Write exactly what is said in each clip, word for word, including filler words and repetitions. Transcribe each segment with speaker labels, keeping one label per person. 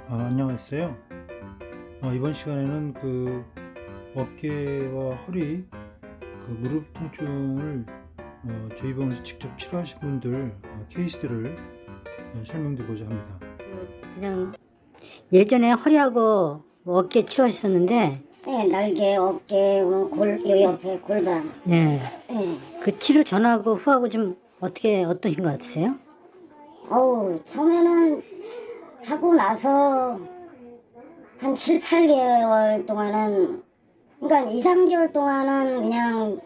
Speaker 1: 아, 안녕하세요. 어, 이번 시간에는 그 어깨와 허리, 그 무릎 통증을 어, 저희 병원에서 직접 치료하신 분들 어, 케이스들을 어, 설명드리고자 합니다.
Speaker 2: 그냥 예전에 허리하고 뭐 어깨 치료하셨었는데,
Speaker 3: 네, 날개, 어깨, 어, 골, 요 옆에 골반.
Speaker 2: 예,
Speaker 3: 네.
Speaker 2: 그 치료 전하고 후하고 좀 어떻게 어떠신 것 같으세요?
Speaker 3: 어우, 처음에는 하고 나서 한 칠, 팔 개월 동안은, 그러니까 이, 삼 개월 동안은 그냥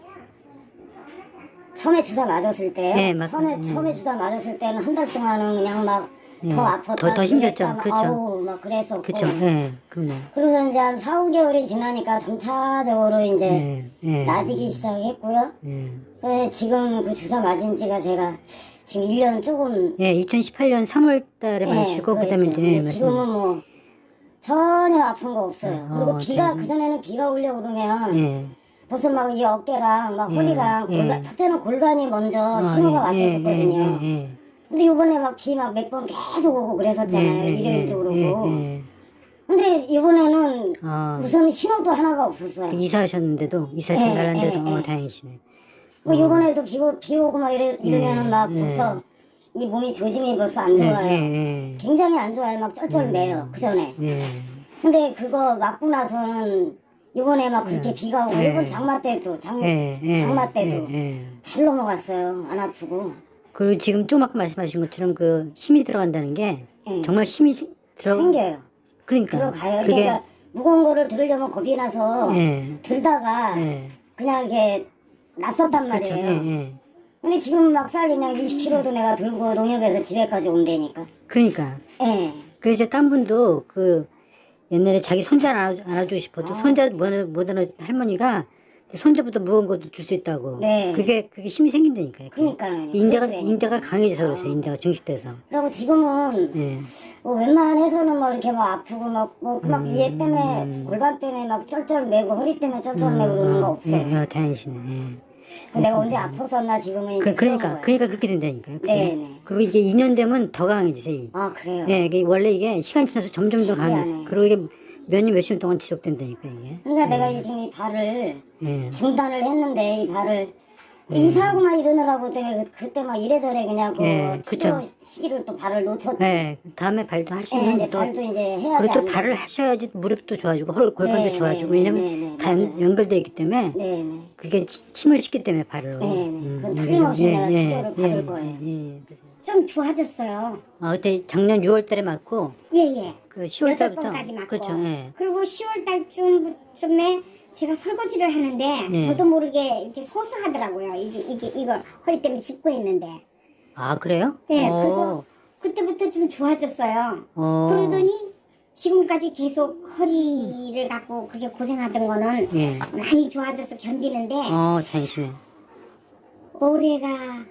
Speaker 3: 처음에 주사 맞았을 때,
Speaker 2: 네, 맞-
Speaker 3: 처음에,
Speaker 2: 음.
Speaker 3: 처음에 주사 맞았을 때는 한 달 동안은 그냥 막 더
Speaker 2: 예,
Speaker 3: 아팠다.
Speaker 2: 더- 더 힘들죠.
Speaker 3: 그랬다, 막
Speaker 2: 그렇죠.
Speaker 3: 아우, 막 그랬었고.
Speaker 2: 그쵸, 예, 그럼요.
Speaker 3: 그래서 이제 한 사, 오 개월이 지나니까 점차적으로 이제
Speaker 2: 예, 예,
Speaker 3: 나아지기 시작했고요.
Speaker 2: 예.
Speaker 3: 네, 지금 그 주사 맞은 지가 제가 지금 일 년 조금.
Speaker 2: 예, 이천십팔 년 삼월 달에
Speaker 3: 예,
Speaker 2: 맞으시고, 그
Speaker 3: 그렇죠.
Speaker 2: 다음에 이제, 예,
Speaker 3: 근데 지금은
Speaker 2: 맞습니다.
Speaker 3: 뭐 전혀 아픈 거 없어요.
Speaker 2: 어,
Speaker 3: 그리고 비가,
Speaker 2: 참.
Speaker 3: 그전에는 비가 오려고 그러면
Speaker 2: 예,
Speaker 3: 벌써 막 이 어깨랑 막
Speaker 2: 예,
Speaker 3: 허리랑
Speaker 2: 예.
Speaker 3: 골반, 첫째는 골반이 먼저
Speaker 2: 아,
Speaker 3: 신호가
Speaker 2: 예, 예,
Speaker 3: 왔었거든요.
Speaker 2: 예, 예,
Speaker 3: 근데 요번에 막 비 막 몇 번 계속 오고 그랬었잖아요.
Speaker 2: 예, 예,
Speaker 3: 일요일도 그러고.
Speaker 2: 예, 예.
Speaker 3: 근데 이번에는
Speaker 2: 아,
Speaker 3: 무슨 신호도 하나가 없었어요.
Speaker 2: 그 이사하셨는데도, 이사
Speaker 3: 예,
Speaker 2: 진달랐는데도,
Speaker 3: 예,
Speaker 2: 어,
Speaker 3: 예.
Speaker 2: 다행이시네.
Speaker 3: 뭐 요번에도 비, 오- 비 오고 막 이래, 이러면은
Speaker 2: 예,
Speaker 3: 막
Speaker 2: 예.
Speaker 3: 벌써 이 몸이 조짐이 벌써 안 좋아요.
Speaker 2: 예, 예,
Speaker 3: 굉장히 안 좋아요. 막 쩔쩔매요. 그 전에.
Speaker 2: 예. 예.
Speaker 3: 근데 그거 맞고 나서는 이번에 막 그렇게 비가 오고
Speaker 2: 예.
Speaker 3: 이번 장마 때도 장,
Speaker 2: 예, 예,
Speaker 3: 장마 때도
Speaker 2: 예, 예.
Speaker 3: 잘 넘어갔어요. 안 아프고.
Speaker 2: 그리고 지금 좀 아까 말씀하신 것처럼 그 힘이 들어간다는 게
Speaker 3: 예.
Speaker 2: 정말 힘이 세- 들어
Speaker 3: 생겨요.
Speaker 2: 그러니까
Speaker 3: 들어가요.
Speaker 2: 그게
Speaker 3: 그러니까 무거운 거를 들으려면 겁이 나서
Speaker 2: 예,
Speaker 3: 들다가
Speaker 2: 예,
Speaker 3: 그냥 이렇게 놨었단
Speaker 2: 그렇죠,
Speaker 3: 말이에요.
Speaker 2: 예, 예.
Speaker 3: 근데 지금 막살 그냥 이십 킬로그램도 내가 들고 농협에서 집에까지 온다니까.
Speaker 2: 그러니까
Speaker 3: 예.
Speaker 2: 그 이제 딴 분도 그 옛날에 자기 손자 안아, 안아주고 싶어도 손자 못, 못 안아 할머니가 손자보다 무거운 것도 줄 수 있다고.
Speaker 3: 네.
Speaker 2: 그게 그게 힘이 생긴다니까요.
Speaker 3: 그러니까요.
Speaker 2: 인대가
Speaker 3: 그래.
Speaker 2: 인대가 강해져서 그래서 인대가 증식돼서.
Speaker 3: 그리고 지금은
Speaker 2: 예.
Speaker 3: 뭐 웬만해서는 뭐 이렇게 막 아프고 막뭐막 얘 때문에 골반 때문에 막 쩔쩔매고 허리 때문에 쩔쩔매고 그러는 거 없어요.
Speaker 2: 예, 예, 다행이시네. 예.
Speaker 3: 그 내가 언제 아팠었나 지금은 이제
Speaker 2: 그, 그러니까,
Speaker 3: 그런 거예요.
Speaker 2: 그러니까 그렇게 된다니까요. 그게.
Speaker 3: 네네.
Speaker 2: 그리고 이게 이 년 되면 더 강해지세요.
Speaker 3: 아 그래요.
Speaker 2: 예, 이게 원래 이게 시간이 지나서 점점 더 강해져.
Speaker 3: 신기하네.
Speaker 2: 그리고 이게 몇 년, 몇십 년 동안 지속된다니까, 이게.
Speaker 3: 그러니까 내가 이 지금 이 발을
Speaker 2: 예.
Speaker 3: 중단을 했는데 이 발을 이사하고 막 이러느라고 때문에 그- 그때 막 이래저래 그냥 그
Speaker 2: 예,
Speaker 3: 치료
Speaker 2: 그쵸.
Speaker 3: 시기를 또 발을 놓쳤지.
Speaker 2: 예, 다음에 발도
Speaker 3: 예,
Speaker 2: 하시면
Speaker 3: 이제
Speaker 2: 또,
Speaker 3: 발도 이제 해야지.
Speaker 2: 그리고 또
Speaker 3: 안
Speaker 2: 발을
Speaker 3: 돼.
Speaker 2: 하셔야지 무릎도 좋아지고, 헐, 골반도
Speaker 3: 네,
Speaker 2: 좋아지고,
Speaker 3: 네,
Speaker 2: 왜냐면
Speaker 3: 네, 네,
Speaker 2: 다 연-
Speaker 3: 맞아요.
Speaker 2: 연결되어 있기 때문에
Speaker 3: 네네.
Speaker 2: 그게 치- 힘을 싣기 때문에 발을.
Speaker 3: 네네. 그건 틀림없이 내가 치료를 받을 거예요.
Speaker 2: 예, 예.
Speaker 3: 좀 좋아졌어요.
Speaker 2: 아, 그때 작년 유월 달에 맞고,
Speaker 3: 예예.
Speaker 2: 그 시월
Speaker 3: 여덟
Speaker 2: 달부터.
Speaker 3: 번까지 맞고.
Speaker 2: 그렇죠, 예.
Speaker 3: 그리고 시월 달쯤쯤에 제가 설거지를 하는데
Speaker 2: 네.
Speaker 3: 저도 모르게 이렇게 소소하더라고요. 이게 이게 이걸 허리 때문에 짚고 있는데.
Speaker 2: 아, 그래요?
Speaker 3: 예.
Speaker 2: 어,
Speaker 3: 그래서 그때부터 좀 좋아졌어요.
Speaker 2: 어.
Speaker 3: 그러더니 지금까지 계속 허리를 갖고 그렇게 고생하던 거는
Speaker 2: 예.
Speaker 3: 많이 좋아져서 견디는데
Speaker 2: 어, 다행이시네.
Speaker 3: 올해가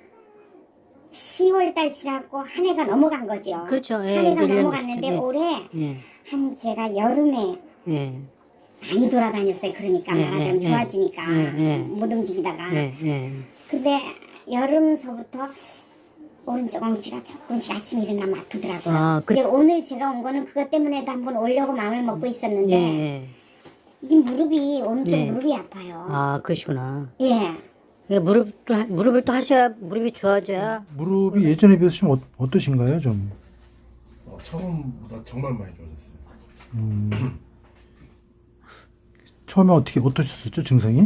Speaker 3: 시월 달 지났고 한 해가 넘어간 거죠.
Speaker 2: 그렇죠. 예,
Speaker 3: 한 해가
Speaker 2: 이제 일 년
Speaker 3: 넘어갔는데
Speaker 2: 됐죠. 예.
Speaker 3: 올해
Speaker 2: 예,
Speaker 3: 한 제가 여름에
Speaker 2: 예,
Speaker 3: 많이 돌아다녔어요. 그러니까
Speaker 2: 예,
Speaker 3: 말하자면
Speaker 2: 예,
Speaker 3: 좋아지니까
Speaker 2: 예, 예.
Speaker 3: 못 움직이다가.
Speaker 2: 예, 예.
Speaker 3: 근데 여름서부터 오른쪽 엉치가 조금씩 아침에 일어나면 아프더라고요.
Speaker 2: 아, 그-
Speaker 3: 근데 오늘 제가 온 거는 그것 때문에도 한번 오려고 마음을 먹고 있었는데
Speaker 2: 예, 예.
Speaker 3: 이 무릎이 오른쪽
Speaker 2: 예.
Speaker 3: 무릎이 아파요.
Speaker 2: 아, 그러시구나.
Speaker 3: 예.
Speaker 2: 그러니까 무릎을, 하- 무릎을 또 하셔야, 무릎이 좋아져야.
Speaker 1: 무릎이 예전에 비해서 좀 어, 어떠신가요? 좀
Speaker 4: 어, 처음보다 정말 많이 좋아졌어요.
Speaker 1: 처음에 어떻게 어떠셨었죠 증상이?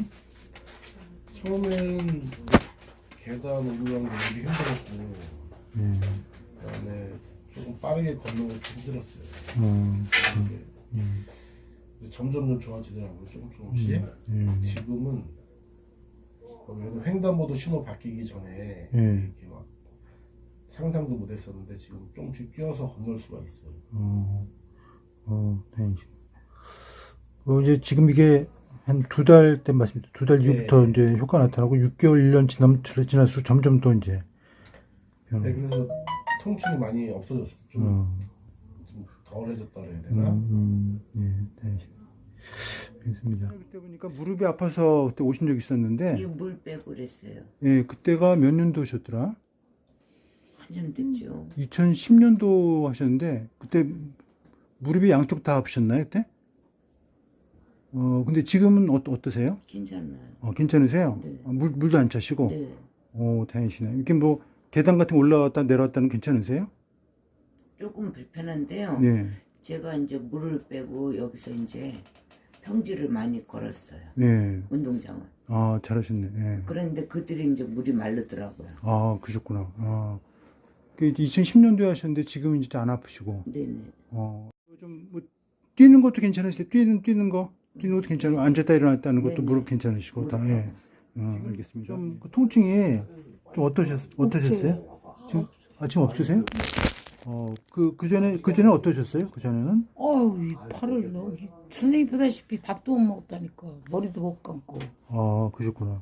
Speaker 4: 처음에는 계단 올라가는 게 되게 힘들었고,
Speaker 1: 예.
Speaker 4: 그다음에 조금 빠르게 걷는 것도 힘들었어요.
Speaker 1: 어,
Speaker 4: 근데 근데 점점 좀 좋아지더라고요. 조금 조금씩.
Speaker 1: 예.
Speaker 4: 지금은 그래도 횡단보도 신호 바뀌기 전에
Speaker 1: 예.
Speaker 4: 이렇게 막 상상도 못했었는데 지금 조금씩 뛰어서 건널 수가 있어요.
Speaker 1: 어, 어, 다행이시네. 어, 이제 지금 이게 한 두 달 때 말씀드렸죠. 두 달 이후부터
Speaker 4: 네.
Speaker 1: 이제 효과 나타나고 육 개월, 일 년 지남, 지날수록 점점 또 이제 변화.
Speaker 4: 네, 그래서 통증이 많이 없어졌어요. 좀,
Speaker 1: 어,
Speaker 4: 좀 덜해졌다 그래야
Speaker 1: 음,
Speaker 4: 되나?
Speaker 1: 음, 예, 다행이시네. 알겠습니다. 그때 보니까 무릎이 아파서 그때 오신 적 있었는데,
Speaker 5: 이거 물 빼고 그랬어요.
Speaker 1: 예, 그때가 몇 년도셨더라?
Speaker 5: 한참 됐죠.
Speaker 1: 이천십 년도 하셨는데, 그때 무릎이 양쪽 다 아프셨나요, 그때? 어, 근데 지금은 어, 어떠세요?
Speaker 5: 괜찮아요.
Speaker 1: 어, 괜찮으세요?
Speaker 5: 네.
Speaker 1: 어, 물, 물도 안 차시고?
Speaker 5: 네.
Speaker 1: 오, 다행이시네. 이렇게 뭐, 계단 같은 거 올라왔다 내려왔다는 괜찮으세요?
Speaker 5: 조금 불편한데요.
Speaker 1: 네.
Speaker 5: 제가 이제 물을 빼고 여기서 이제 평지를 많이 걸었어요.
Speaker 1: 네.
Speaker 5: 운동장을.
Speaker 1: 아, 잘하셨네. 네.
Speaker 5: 그런데 그들이 이제 물이 마르더라고요.
Speaker 1: 아, 그러셨구나. 아. 그 이천십 년도에 하셨는데 지금은 진짜 안 아프시고.
Speaker 5: 네네.
Speaker 1: 어. 좀, 뭐, 뛰는 것도 괜찮으세요? 뛰는, 뛰는 거? 뛰는 것도 괜찮고, 앉았다 일어났다 하는 것도
Speaker 5: 네네.
Speaker 1: 무릎 괜찮으시고, 다,
Speaker 5: 무릎.
Speaker 1: 예. 어, 알겠습니다. 좀, 그 통증이 좀 어떠셨, 어떠셨어요? 지금, 아, 지금 없으세요? 어, 그, 그 전에, 그 전에 어떠셨어요? 그 전에는?
Speaker 6: 어우, 이 팔을 너 선생님 보다시피 밥도 못 먹다니까 머리도 못 감고
Speaker 1: 아, 그러셨구나.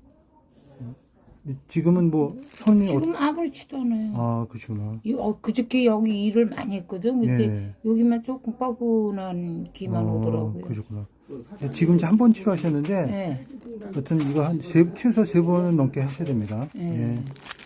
Speaker 1: 지금은 뭐, 손이, 어,
Speaker 6: 지금 아무렇지도 않아요.
Speaker 1: 아, 그러시구나.
Speaker 6: 이, 어, 그저께 여기 일을 많이 했거든. 근데
Speaker 1: 예.
Speaker 6: 여기만 조금 뻐근한 기만
Speaker 1: 어,
Speaker 6: 오더라고요.
Speaker 1: 그러셨구나. 지금 이제 한 번 치료하셨는데,
Speaker 6: 예.
Speaker 1: 여튼 이거 한 세, 최소 세 번은 넘게 하셔야 됩니다.
Speaker 6: 예.
Speaker 1: 예.